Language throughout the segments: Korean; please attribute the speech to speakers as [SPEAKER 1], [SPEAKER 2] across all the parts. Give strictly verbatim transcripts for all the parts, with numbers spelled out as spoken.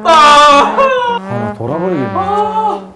[SPEAKER 1] 아,
[SPEAKER 2] 아, 돌아버리겠네.
[SPEAKER 1] 아.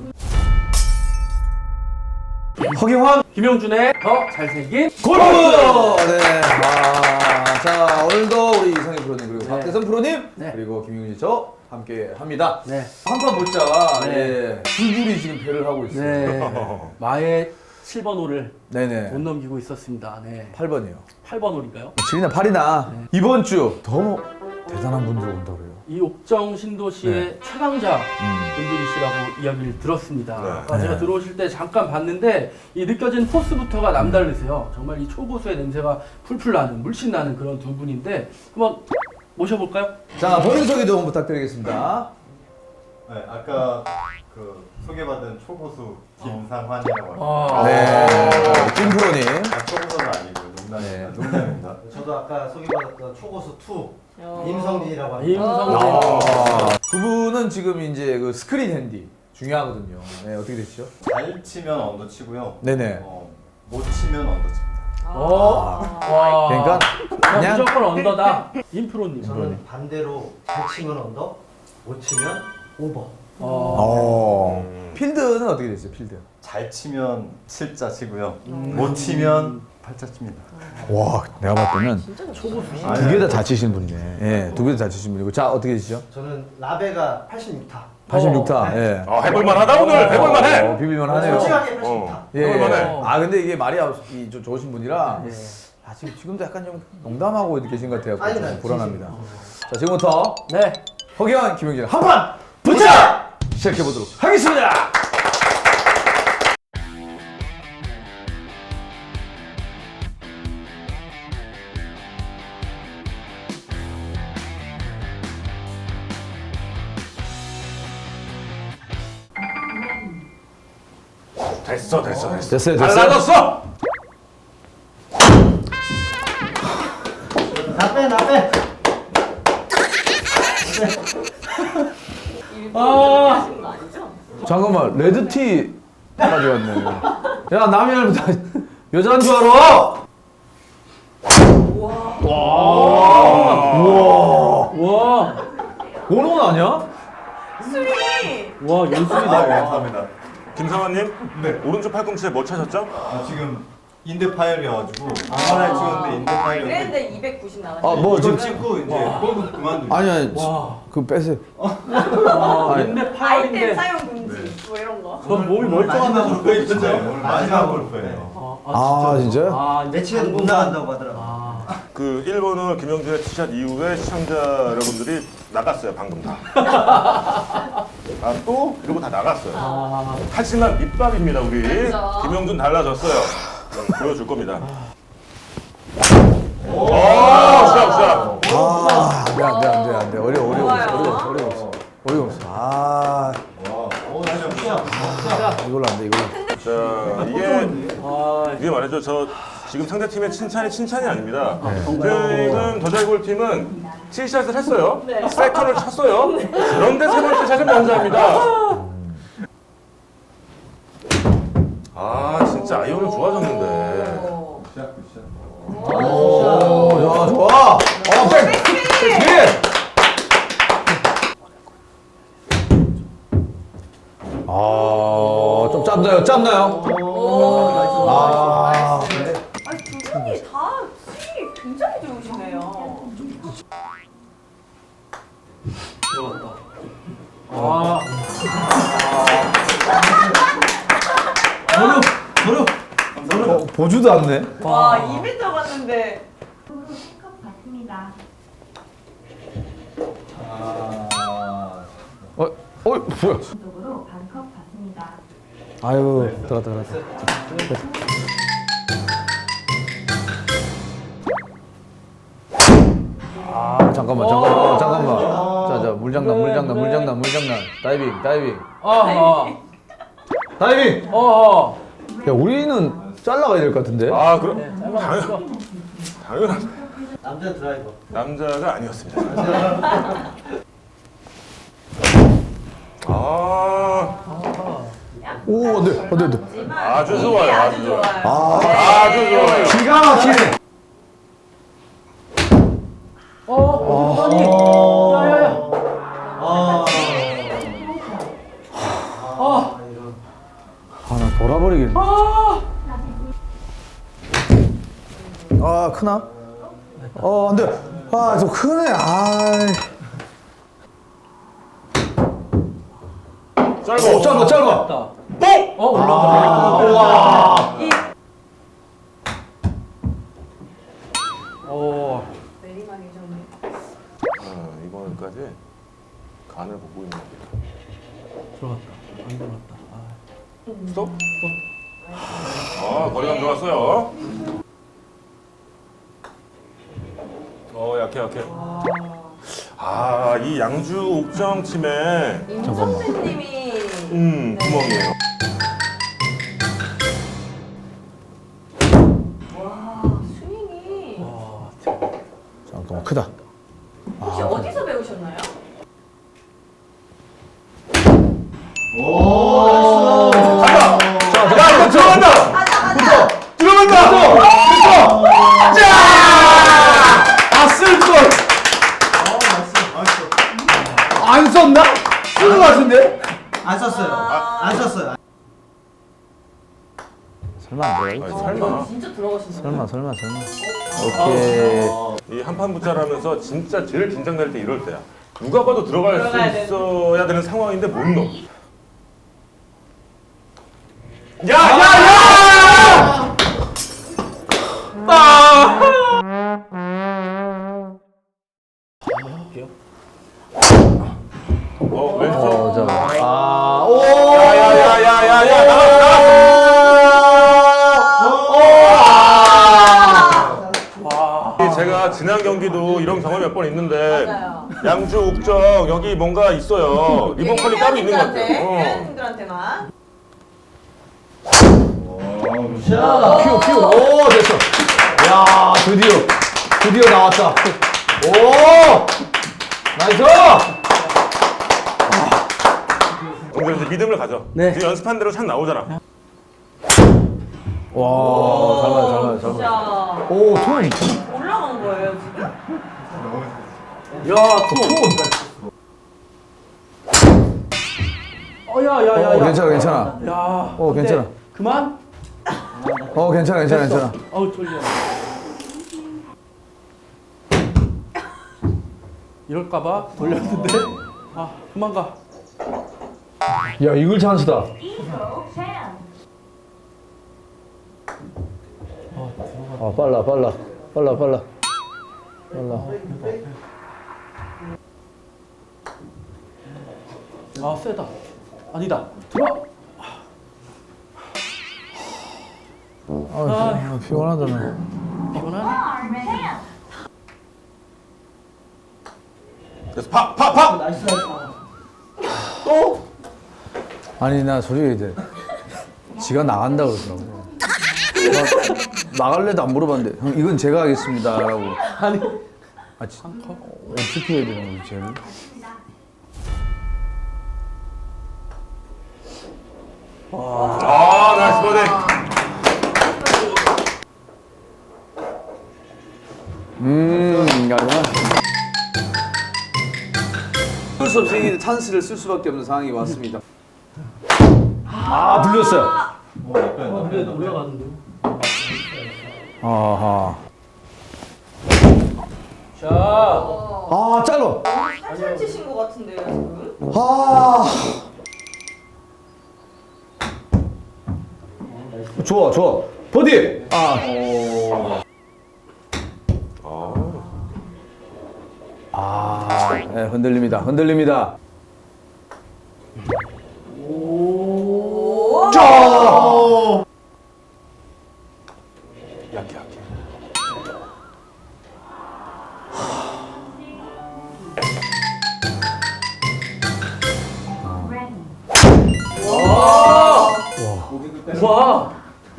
[SPEAKER 2] 허경환,
[SPEAKER 1] 김영준의 더 잘생긴
[SPEAKER 2] 골프! 네. 아, 자, 오늘도 우리 이상희 프로님, 그리고
[SPEAKER 1] 네.
[SPEAKER 2] 박대선 프로님,
[SPEAKER 1] 네.
[SPEAKER 2] 그리고 김용진 저 함께 합니다.
[SPEAKER 1] 네.
[SPEAKER 2] 한판 보자.
[SPEAKER 1] 네.
[SPEAKER 2] 예. 줄줄이 지금 배를 하고 있어요.
[SPEAKER 1] 네. 마의 칠 번 홀을
[SPEAKER 2] 네네.
[SPEAKER 1] 못 넘기고 있었습니다. 네.
[SPEAKER 2] 팔 번이요.
[SPEAKER 1] 팔 번 홀인가요?
[SPEAKER 2] 칠이나 팔이나
[SPEAKER 1] 네.
[SPEAKER 2] 이번 주 더 대단한 분들 온다 그래요.
[SPEAKER 1] 이 옥정 신도시의
[SPEAKER 2] 네.
[SPEAKER 1] 최강자
[SPEAKER 2] 음.
[SPEAKER 1] 분들이시라고 이야기를 들었습니다.
[SPEAKER 3] 네.
[SPEAKER 1] 아까
[SPEAKER 2] 네.
[SPEAKER 1] 제가 들어오실 때 잠깐 봤는데 이 느껴진 포스부터가 남다르세요. 정말 이 초고수의 냄새가 풀풀 나는, 물씬 나는 그런 두 분인데 한번 모셔볼까요?
[SPEAKER 2] 자, 본인 소개 좀 부탁드리겠습니다.
[SPEAKER 3] 네, 아까 그 소개받은 초고수 김상환이라고 합니다.
[SPEAKER 1] 아,
[SPEAKER 2] 네. 김 프로님.
[SPEAKER 3] 아, 초고수는 아니고 농담입니다.
[SPEAKER 2] 네.
[SPEAKER 3] 농담입니다.
[SPEAKER 4] 저도 아까 소개받았던 초고수 투 임성진이라고 합니다.
[SPEAKER 1] 임성진.
[SPEAKER 2] 아, 두 분은 지금 이제 그 스크린 핸디 중요하거든요. 네, 어떻게 되시죠?
[SPEAKER 3] 잘 치면 언더 치고요.
[SPEAKER 2] 네네.
[SPEAKER 3] 어, 못 치면 언더 칩니다.
[SPEAKER 1] 어? 와.
[SPEAKER 2] 그러니까
[SPEAKER 1] 그냥
[SPEAKER 2] 그냥
[SPEAKER 1] 무조건 언더다. 임프로님.
[SPEAKER 4] 저는 반대로 잘 치면 언더, 못 치면 오버.
[SPEAKER 1] 어.
[SPEAKER 2] 어. 필드는 어떻게 되세요? 필드.
[SPEAKER 3] 잘 치면 칠자 치고요. 못 치면 팔자 칩니다.
[SPEAKER 2] 와, 내가 봤을 때는
[SPEAKER 1] 초고수.
[SPEAKER 2] 두 개 다 잘 치시는 분이네. 예, 두 개 다 잘 치시는 분이고. 자, 어떻게 되시죠?
[SPEAKER 4] 저는 라베가 팔십육 타.
[SPEAKER 2] 팔십육 타. 예.
[SPEAKER 5] 아, 해볼만하다 오늘. 해볼만해.
[SPEAKER 2] 어, 비빌만 하네요.
[SPEAKER 4] 솔직하게 팔십육 타.
[SPEAKER 5] 어.
[SPEAKER 2] 예.
[SPEAKER 5] 해볼만해.
[SPEAKER 2] 아, 근데 이게 말이 이, 좀 좋으신 분이라
[SPEAKER 1] 예.
[SPEAKER 2] 아, 지금 지금도 약간 좀 농담하고 계신 것 같아요.
[SPEAKER 4] 아니,
[SPEAKER 2] 좀
[SPEAKER 4] 나
[SPEAKER 2] 불안합니다. 자, 지금부터
[SPEAKER 1] 네.
[SPEAKER 2] 허경환, 김영진 한판 붙자! 시작해 보도록 하겠습니다.
[SPEAKER 5] 됐어, 됐어, 됐어.
[SPEAKER 2] 됐어요, 됐어요.
[SPEAKER 5] 달라졌어.
[SPEAKER 4] 나 빼, 나 빼.
[SPEAKER 1] 아.
[SPEAKER 2] 잠깐만, 레드티 가져왔네. 야, 남이 다 여자인 줄 알아?
[SPEAKER 1] 와.
[SPEAKER 2] 원원 아니야?
[SPEAKER 1] 와,
[SPEAKER 3] 아,
[SPEAKER 1] 연습이다.
[SPEAKER 3] 감사합니다.
[SPEAKER 5] 김상환님,
[SPEAKER 3] 네.
[SPEAKER 5] 오른쪽 팔꿈치에 뭐 차셨죠?
[SPEAKER 3] 아, 지금 인대 파열이어가지고 하나를 찍었는데 인대 파열이었는데
[SPEAKER 6] 그랬는데 이백구십 나갔어요.
[SPEAKER 2] 아, 뭐
[SPEAKER 3] 이거
[SPEAKER 2] 지금
[SPEAKER 3] 찍고 이제 골프 그만두고.
[SPEAKER 2] 아니 아니,
[SPEAKER 1] 와.
[SPEAKER 2] 그 빼세요.
[SPEAKER 1] 아,
[SPEAKER 2] 아니.
[SPEAKER 1] 인내
[SPEAKER 6] 아이템
[SPEAKER 1] 파열인데.
[SPEAKER 6] 사용 금지 뭐 이런 거.
[SPEAKER 1] 전 몸이
[SPEAKER 3] 마지막
[SPEAKER 1] 멀쩡하다고.
[SPEAKER 3] 골프예요. 오늘 마지막 골프예요.
[SPEAKER 2] 아, 진짜요?
[SPEAKER 1] 아, 이제
[SPEAKER 4] 매치에도 못 나간다고 하더라고.
[SPEAKER 1] 아.
[SPEAKER 5] 그 일 번을 김영준의 티샷 이후에 시청자 여러분들이 나갔어요, 방금 다. 아, 또? 이러고 다 나갔어요.
[SPEAKER 1] 아.
[SPEAKER 5] 하지만 밑밥입니다, 우리.
[SPEAKER 6] 그렇죠.
[SPEAKER 5] 김영준 달라졌어요. 음, 보여줄 겁니다. 오, 샷, 샷.
[SPEAKER 2] 아, 안 돼, 안 돼, 안 돼, 안 돼. 어려워, 어려워,
[SPEAKER 6] 좋아요.
[SPEAKER 2] 어려워, 어려워, 없어. 어려워, 없어. 아,
[SPEAKER 3] 와, 오, 진짜.
[SPEAKER 2] 이걸로 안 돼, 이걸로.
[SPEAKER 5] 자, 이게,
[SPEAKER 1] 아,
[SPEAKER 5] 이게 말이죠. 저 지금 상대 팀의 칭찬이 칭찬이 아닙니다.
[SPEAKER 2] 네.
[SPEAKER 5] 지금 더잘골 팀은 칠샷을 했어요. 세컨을 쳤어요. 그런데 세 번째 샷은 먼저 합니다. 아, 진짜 아이언은 좋아졌는데.
[SPEAKER 6] 오.
[SPEAKER 3] 굿샷, 굿샷.
[SPEAKER 2] 오, 야, 좋아. 어, 백, 백, 아, 좀 짧나요? 짧나요?
[SPEAKER 6] 오.
[SPEAKER 2] 아,
[SPEAKER 6] 나이스. 아니 두 분이 다 스윙이 굉장히 좋으시네요.
[SPEAKER 1] 들어갔다. 아.
[SPEAKER 2] 어려, 어려. 어, 보지도 않네.
[SPEAKER 6] 와 이 미터 갔는데.
[SPEAKER 7] 컵 받습니다.
[SPEAKER 3] 아,
[SPEAKER 2] 어, 어, 뭐야?
[SPEAKER 7] 쪽으로 반컵 받습니다.
[SPEAKER 2] 아유, 들어갔다, 들어갔다. 아, 잠깐만, 잠깐만, 어, 잠깐만. 자, 자, 물장난,
[SPEAKER 1] 네,
[SPEAKER 2] 물장난,
[SPEAKER 1] 네.
[SPEAKER 2] 물장난, 물장난. 다이빙, 다이빙.
[SPEAKER 1] 아.
[SPEAKER 2] 다이빙!
[SPEAKER 1] 어. 어.
[SPEAKER 2] 야, 우리는 잘라가야 될 것 같은데?
[SPEAKER 5] 아, 그럼
[SPEAKER 1] 네, 짧았어.
[SPEAKER 5] 당연한
[SPEAKER 4] 남자 드라이버.
[SPEAKER 5] 남자가 아니었습니다. 아,
[SPEAKER 2] 오, 안 돼, 안 돼, 안 돼.
[SPEAKER 5] 아주 좋아요, 아주
[SPEAKER 6] 아주
[SPEAKER 5] 좋아요.
[SPEAKER 6] 좋아요.
[SPEAKER 2] 아,
[SPEAKER 5] 아주 좋아요.
[SPEAKER 2] 기가 막히네.
[SPEAKER 1] 어, 아니. 야야야.
[SPEAKER 4] 아,
[SPEAKER 2] 크나? 어, 안 돼. 아, 좀 크네. 아.
[SPEAKER 5] 짧아.
[SPEAKER 2] 어, 짧아, 짧아.
[SPEAKER 1] 뽕! 어, 올라가네.
[SPEAKER 2] 와.
[SPEAKER 1] 어,
[SPEAKER 6] 내리막이 좀.
[SPEAKER 5] 아, 이번까지 간을 보고 있는 거.
[SPEAKER 1] 들어갔다. 안 들어갔다. 아.
[SPEAKER 5] 스톱? 아, 거리감 좋았어요. 어, 약해, 약해. 아, 이 양주 옥정 팀의
[SPEAKER 6] 임성진님이.
[SPEAKER 5] 음, 구멍이에요.
[SPEAKER 6] 와, 스윙이.
[SPEAKER 1] 와,
[SPEAKER 2] 잠깐만, 크다.
[SPEAKER 6] 혹시 어디서 배우셨나요?
[SPEAKER 2] 자, 자, 이거 들어간다!
[SPEAKER 6] 가자, 가자.
[SPEAKER 2] 들어간다! 붙어! 자! 아, 쓸 걸! 안 썼나? 쓴 거 같은데?
[SPEAKER 4] 안 썼어요. 안 썼어요.
[SPEAKER 2] 설마 안 들어가?
[SPEAKER 5] 아니, 설마.
[SPEAKER 6] 진짜 들어가신다.
[SPEAKER 2] 설마, 설마, 설마. 오케이.
[SPEAKER 5] 이 한판 붙자라면서 진짜 제일 긴장될 때 이럴 때야. 누가 봐도 들어갈
[SPEAKER 6] 들어가야
[SPEAKER 5] 수
[SPEAKER 6] 돼.
[SPEAKER 5] 있어야 되는 상황인데 못 넣어. 야, 야, 야!
[SPEAKER 1] 할게요.
[SPEAKER 5] 어, 왼쪽.
[SPEAKER 2] 어, 자. 아, 오!
[SPEAKER 5] 야, 야, 야, 야, 야, 야, 나가, 나가!
[SPEAKER 1] 와.
[SPEAKER 5] 제가 지난 경기도 이런 경험이 몇 번 있는데
[SPEAKER 6] 맞아요.
[SPEAKER 5] 양주 옥정 여기 뭔가 있어요. 리본 컬이 따로 있는 것 같아요. 어.
[SPEAKER 6] 회원님들한테만.
[SPEAKER 2] 큐, 큐. 오, 됐어. 야, 드디어. 드디어 나왔다. 오! 나이스!
[SPEAKER 5] 오늘 이제 믿음을 가져.
[SPEAKER 1] 네.
[SPEAKER 5] 지금 연습한 대로 샷 나오잖아.
[SPEAKER 2] 와, 잘 맞아, 잘 맞아, 잘
[SPEAKER 6] 진짜
[SPEAKER 2] 맞아. 오, 톤.
[SPEAKER 6] 올라간 거예요 지금?
[SPEAKER 1] 야, 투. 어, 야, 야, 야,
[SPEAKER 2] 어,
[SPEAKER 1] 야.
[SPEAKER 2] 괜찮아, 괜찮아.
[SPEAKER 1] 야.
[SPEAKER 2] 어,
[SPEAKER 1] 근데
[SPEAKER 2] 괜찮아.
[SPEAKER 1] 그만?
[SPEAKER 2] 어, 괜찮아, 괜찮아, 괜찮아.
[SPEAKER 1] 어우, 졸려. 이럴까봐 돌렸는데. 아, 그만 가.
[SPEAKER 2] 야, 이글 찬스다.
[SPEAKER 7] 이거 챔.
[SPEAKER 2] 아, 빨라, 빨라. 빨라, 빨라. 빨라.
[SPEAKER 1] 아, 세다. 아니다. 들어.
[SPEAKER 2] 아, 피곤하다, 나.
[SPEAKER 1] 피곤하네.
[SPEAKER 7] 챔.
[SPEAKER 5] 그래서 파, 파, 파!
[SPEAKER 4] 나이스 나이스.
[SPEAKER 1] 또?
[SPEAKER 2] 아니, 나 솔직히 이제 지가 나간다 그러더라고. 나, 나갈래도 안 물어봤는데, 형, 이건 제가 하겠습니다. 라고.
[SPEAKER 1] 아니.
[SPEAKER 2] 아, 지, 어떻게 해야 되는 거지, 쟤를?
[SPEAKER 5] 아, 나이스 버디.
[SPEAKER 2] 음, 가지마. 어쩔 수 없이 찬스를 쓸 수밖에 없는 상황이 왔습니다. 아, 불렸어요.
[SPEAKER 1] 아, 근데 올라가는데.
[SPEAKER 2] 아하.
[SPEAKER 1] 자.
[SPEAKER 2] 아, 짧아.
[SPEAKER 6] 살살 치신 것 같은데요 지금?
[SPEAKER 2] 아. 좋아, 좋아. 버디. 아. 아, 네, 흔들립니다. 흔들립니다.
[SPEAKER 6] 오.
[SPEAKER 2] 짜!
[SPEAKER 5] 약해, 약해.
[SPEAKER 1] 와.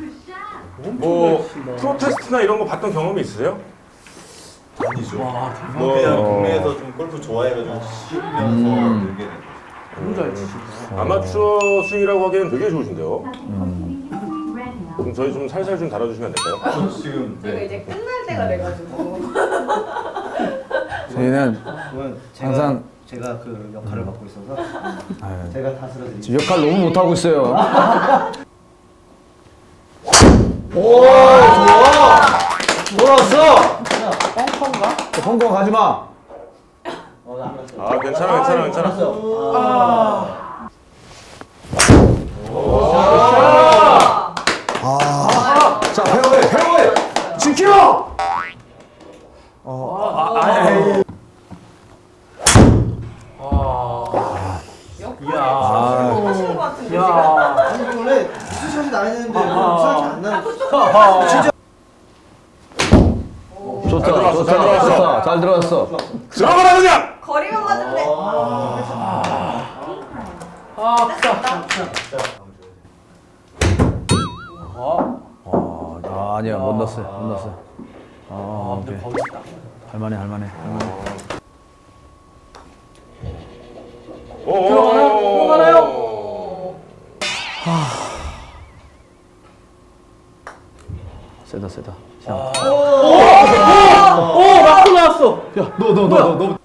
[SPEAKER 5] 뭐 프로테스트나 이런 거 봤던 경험이 있으세요?
[SPEAKER 8] 아니죠.
[SPEAKER 1] 와,
[SPEAKER 8] 뭐 그냥 동네에서 좀 골프 좋아해가지고 치면서 늘게 된 거죠.
[SPEAKER 1] 너무 잘 치시네.
[SPEAKER 5] 아마추어 스윙이라고 하기에는 되게 좋으신데요.
[SPEAKER 7] 음.
[SPEAKER 5] 그럼 저희 좀 살살 좀 달아주시면 안 될까요?
[SPEAKER 8] 지금
[SPEAKER 6] 저희가
[SPEAKER 8] 네.
[SPEAKER 6] 이제 끝날 때가 돼가지고.
[SPEAKER 2] 저희는
[SPEAKER 4] 그건 제가,
[SPEAKER 2] 항상
[SPEAKER 4] 제가 그 역할을 맡고 있어서
[SPEAKER 2] 아유,
[SPEAKER 4] 제가 다스려드리죠.
[SPEAKER 2] 지금 역할 너무 못하고 있어요. 오, 좋아. 돌았어. 홍콩 가지 마.
[SPEAKER 5] 아 괜찮아 괜찮아 괜찮아.
[SPEAKER 1] 아.
[SPEAKER 2] 아, 자 페어웨이 페어웨이 지켜. 어, 아, 아, 에이.
[SPEAKER 6] 역할을 하시는 것 같은데 지금.
[SPEAKER 1] 야.
[SPEAKER 4] 아니 원래 수샷이 나야 되는데 수샷이 안 나는.
[SPEAKER 2] 좋다,
[SPEAKER 5] 잘 들어왔어,
[SPEAKER 2] 좋다,
[SPEAKER 5] 잘 들어왔어.
[SPEAKER 2] 좋다, 잘 들어왔어.
[SPEAKER 5] 들어가라 그냥.
[SPEAKER 6] 거리만 맞으면 돼.
[SPEAKER 1] 아, 아프다.
[SPEAKER 2] 어, 아, 아니야, 못 넣었어요, 못 넣었어요. 아,
[SPEAKER 1] 아, 근데
[SPEAKER 2] 오케이.
[SPEAKER 1] 거기 있다.
[SPEAKER 2] 할만해, 할만해.
[SPEAKER 5] 오,
[SPEAKER 1] 들어가나요? 들어가나요?
[SPEAKER 2] 세다, 세다.
[SPEAKER 1] 오, 라코 나왔어.
[SPEAKER 2] 야, 너, 너, 너, 너, 너.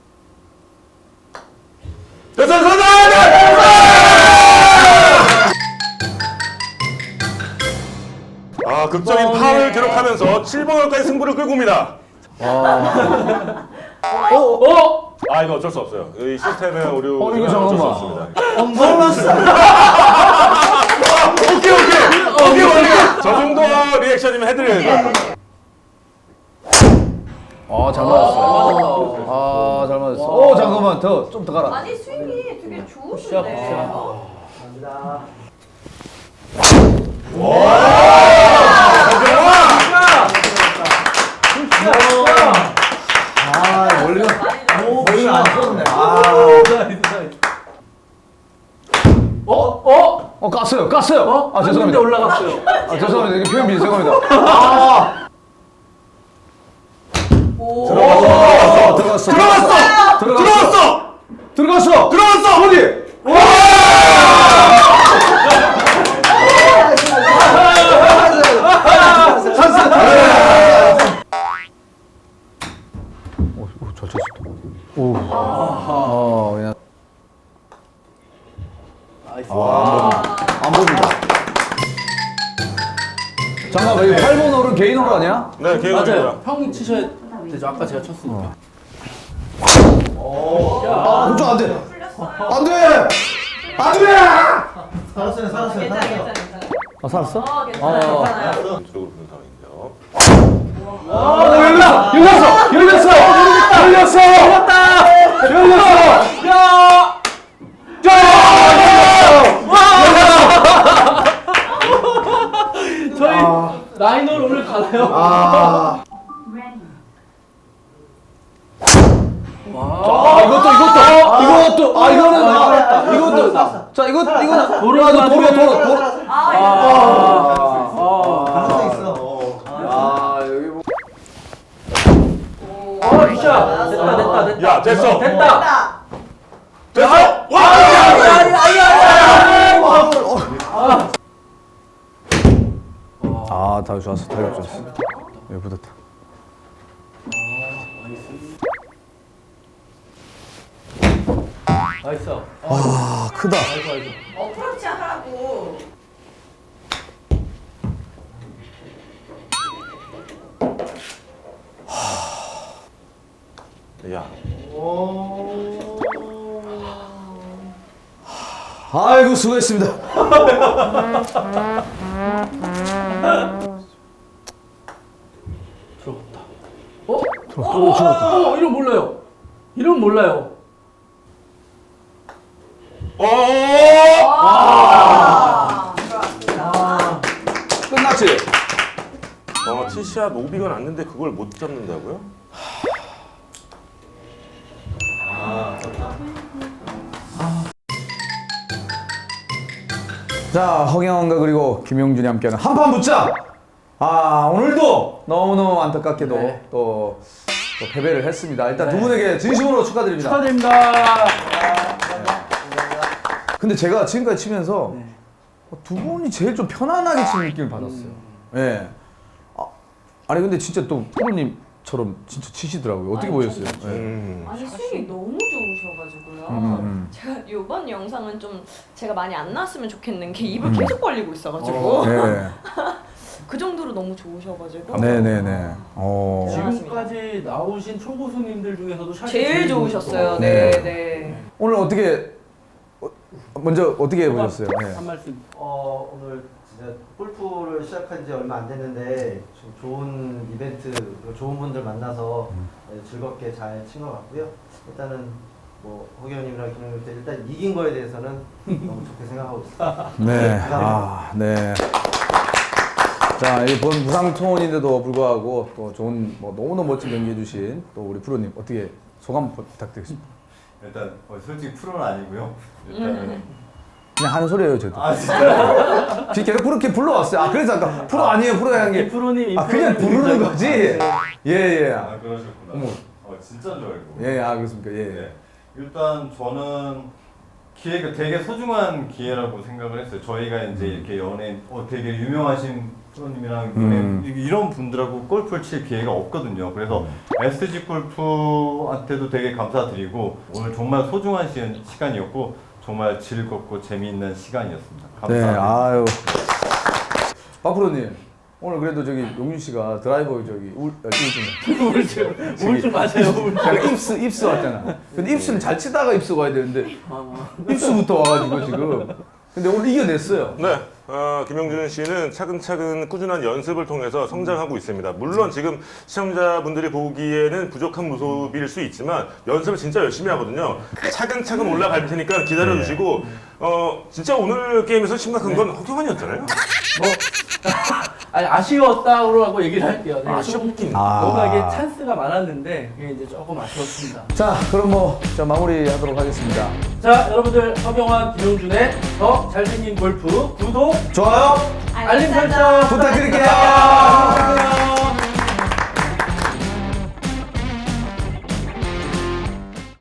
[SPEAKER 5] 됐어 됐어 됐어. 아 극적인 파울을 기록하면서 칠 번 홀까지 승부를 끌고 옵니다.
[SPEAKER 2] 아,
[SPEAKER 1] 어, 어.
[SPEAKER 5] 아 이거 어쩔 수 없어요. 이 시스템의 오류.
[SPEAKER 2] 어, 이거
[SPEAKER 5] 어쩔 수
[SPEAKER 2] 잠깐만.
[SPEAKER 5] 없습니다.
[SPEAKER 1] 오케이, 오케이. 오케이, 오케이.
[SPEAKER 5] 저 정도 리액션이면 해드려야죠.
[SPEAKER 2] 아, 잘 맞았어. 아, 잘 맞았어. 오, 잠깐만, 더, 좀 더 가라.
[SPEAKER 6] 아니 스윙이 되게
[SPEAKER 1] 굿샷,
[SPEAKER 6] 좋으신데.
[SPEAKER 1] 굿샷.
[SPEAKER 2] 아, 멀리가, 멀리가 안 썼네. 아,
[SPEAKER 1] 어, 어.
[SPEAKER 2] 어, 깠어요, 깠어요.
[SPEAKER 1] 어?
[SPEAKER 2] 아, 죄송합니다.
[SPEAKER 1] 했는데 올라갔어요.
[SPEAKER 2] 아, 죄송합니다. 이게 표현 미리 죄송합니다. 아,
[SPEAKER 6] 오.
[SPEAKER 2] 들어갔어, 들어갔어, 들어갔어, 들어갔어, 들어갔어, 들어갔어, 어디? 오, 오, 잘 쳤어. 오, 어, 그냥
[SPEAKER 1] 나이스.
[SPEAKER 2] 안 보인다. 잠깐만, 이거 팔 번 홀은 개인 홀 아니야?
[SPEAKER 5] 네 개인적입니다.
[SPEAKER 1] 맞아요. 형이 치셔야 되죠. 아까 제가 쳤으니까.
[SPEAKER 2] 아, 그쪽 안 돼.
[SPEAKER 6] 풀렸어요.
[SPEAKER 2] 안 돼! 안 돼!
[SPEAKER 4] 살았어요, 살았어요,
[SPEAKER 6] 괜찮아,
[SPEAKER 4] 살았어요.
[SPEAKER 6] 괜찮아, 괜찮아.
[SPEAKER 2] 아, 살았어?
[SPEAKER 6] 어, 괜찮아,
[SPEAKER 2] 어.
[SPEAKER 6] 괜찮아요.
[SPEAKER 5] 쪽으로 부는 상황인데요.
[SPEAKER 2] 아, 열렸어! 열렸어! 열렸어! 열렸어! 열렸다! 열렸어!
[SPEAKER 1] 야! 저희 라인홀 오늘 가나요?
[SPEAKER 2] 아,
[SPEAKER 7] Ready.
[SPEAKER 2] 아, 이것도, 이것도, 이것도, 아, 이거는, 아, 이것도, 자, 이거, 이거는,
[SPEAKER 1] 도로
[SPEAKER 2] 아, 이거 도로,
[SPEAKER 1] 맞으면은-
[SPEAKER 2] 도로, 도로.
[SPEAKER 6] 아,
[SPEAKER 1] 아,
[SPEAKER 4] 가능성 있어.
[SPEAKER 2] 아, 여기 뭐.
[SPEAKER 1] 아, 굿샷. 됐다, 됐다, 됐다.
[SPEAKER 5] 야 됐어.
[SPEAKER 1] 됐다.
[SPEAKER 6] 됐다.
[SPEAKER 5] 됐어. 와.
[SPEAKER 2] 아, 다 좋았어, 다 좋았어. 여기 붙었다.
[SPEAKER 1] 나이스.
[SPEAKER 2] 아, 크다.
[SPEAKER 1] 아이고, 아이고.
[SPEAKER 6] 어프로치 하라고.
[SPEAKER 5] 야.
[SPEAKER 2] 아이고, 수고했습니다.
[SPEAKER 1] 들어갔다. 어? 들어갔다. 어, 이름 몰라요. 이름 몰라요.
[SPEAKER 5] 어.
[SPEAKER 6] 아, 들어왔습니다.
[SPEAKER 2] 끝났지?
[SPEAKER 5] 어 티샷 오비가 났는데 그걸 못 잡는다고요?
[SPEAKER 2] 자, 허경환과 그리고 김용준이 함께하는 한판 붙자. 아, 오늘도 너무너무 안타깝게도
[SPEAKER 1] 네.
[SPEAKER 2] 또, 또 패배를 했습니다. 일단 두
[SPEAKER 1] 네.
[SPEAKER 2] 분에게 진심으로 축하드립니다.
[SPEAKER 1] 축하드립니다.
[SPEAKER 2] 근데 제가 지금까지 치면서
[SPEAKER 1] 네.
[SPEAKER 2] 두 분이 제일 좀 편안하게 치는 느낌을 받았어요. 예. 아, 아니 근데 진짜 또 프로님처럼 진짜 치시더라고요. 어떻게
[SPEAKER 6] 아니,
[SPEAKER 2] 보였어요?
[SPEAKER 6] 저도
[SPEAKER 2] 예.
[SPEAKER 5] 음.
[SPEAKER 6] 아니 스윙이 너무 좋으셔가지고요.
[SPEAKER 2] 음.
[SPEAKER 6] 제가 이번 영상은 좀 제가 많이 안 나왔으면 좋겠는 게 입을 계속 벌리고 있어가지고.
[SPEAKER 2] 예.
[SPEAKER 6] 그 정도로 너무 좋으셔가지고
[SPEAKER 2] 네네네. 어.
[SPEAKER 1] 지금까지 나오신 초고수님들 중에서도 샷이
[SPEAKER 6] 제일 좋으셨어요. 네, 네.
[SPEAKER 2] 오늘 어떻게 어, 먼저 어떻게 해보셨어요? 네.
[SPEAKER 1] 한 말씀.
[SPEAKER 4] 어, 오늘 진짜 골프를 시작한 지 얼마 안 됐는데 좀 좋은 이벤트, 그리고 좋은 분들 만나서 네, 즐겁게 잘 친 것 같고요. 일단은 뭐 허경님이랑 김영일 때 일단 이긴 거에 대해서는 너무 좋게 생각하고 있습니다.
[SPEAKER 2] 네. 아, 네. 자, 이번 부상 투혼인데도 불구하고 또 좋은 뭐 너무너무 멋진 경기 해주신 또 우리 프로님 어떻게 소감 부탁드리겠습니다.
[SPEAKER 3] 일단 어, 솔직히 프로는 아니고요. 일단은
[SPEAKER 2] 그냥 하는 소리예요, 저도.
[SPEAKER 3] 아 진짜
[SPEAKER 2] 지금 계속 그렇게 불러왔어요. 아, 그래서 아까 프로 아니에요, 프로 하는 게.
[SPEAKER 1] 프로님,
[SPEAKER 2] 아, 그냥 부르는 거지. 예, 예.
[SPEAKER 3] 아 그러셨구나.
[SPEAKER 2] 어머.
[SPEAKER 3] 어 진짜인 줄 알고.
[SPEAKER 2] 예, 아, 그렇습니까? 예.
[SPEAKER 3] 네. 일단 저는 기회가 되게 소중한 기회라고 생각을 했어요. 저희가 이제 이렇게 연예인, 어, 되게 유명하신 프로님이랑
[SPEAKER 2] 음.
[SPEAKER 3] 연예인, 이런 분들하고 골프를 칠 기회가 없거든요. 그래서 에스지 골프한테도 되게 감사드리고 오늘 정말 소중한 시간, 시간이었고 정말 즐겁고 재미있는 시간이었습니다.
[SPEAKER 2] 네,
[SPEAKER 3] 감사합니다.
[SPEAKER 2] 아유. 박 프로님, 오늘 그래도 저기 용준 씨가 드라이버 저기 울, 아, 우울증.
[SPEAKER 1] 우울증, 우울증 맞아요. 우울증.
[SPEAKER 2] 약간 입수, 입수 왔잖아. 근데 입수는 잘 치다가 입수가 와야 되는데 입수부터 와가지고 지금. 근데 오늘 이겨냈어요.
[SPEAKER 5] 네, 어, 김영준 씨는 차근차근 꾸준한 연습을 통해서 성장하고 있습니다. 물론 지금 시청자분들이 보기에는 부족한 모습일 수 있지만 연습을 진짜 열심히 하거든요. 차근차근 올라갈 테니까 기다려주시고 어, 진짜 오늘 게임에서 심각한 건 허경환이었잖아요.
[SPEAKER 1] 뭐 아니 아쉬웠다고 얘기를 할게요. 네,
[SPEAKER 5] 아쉽긴.
[SPEAKER 2] 아.
[SPEAKER 1] 뭔가 이게 찬스가 많았는데 이게 이제 조금 아쉬웠습니다.
[SPEAKER 2] 자, 그럼 뭐, 자, 마무리하도록 하겠습니다.
[SPEAKER 1] 자, 여러분들 허경환, 김용준의 더 잘생긴 골프 구독,
[SPEAKER 2] 좋아요,
[SPEAKER 1] 알림 설정
[SPEAKER 2] 부탁드릴게요.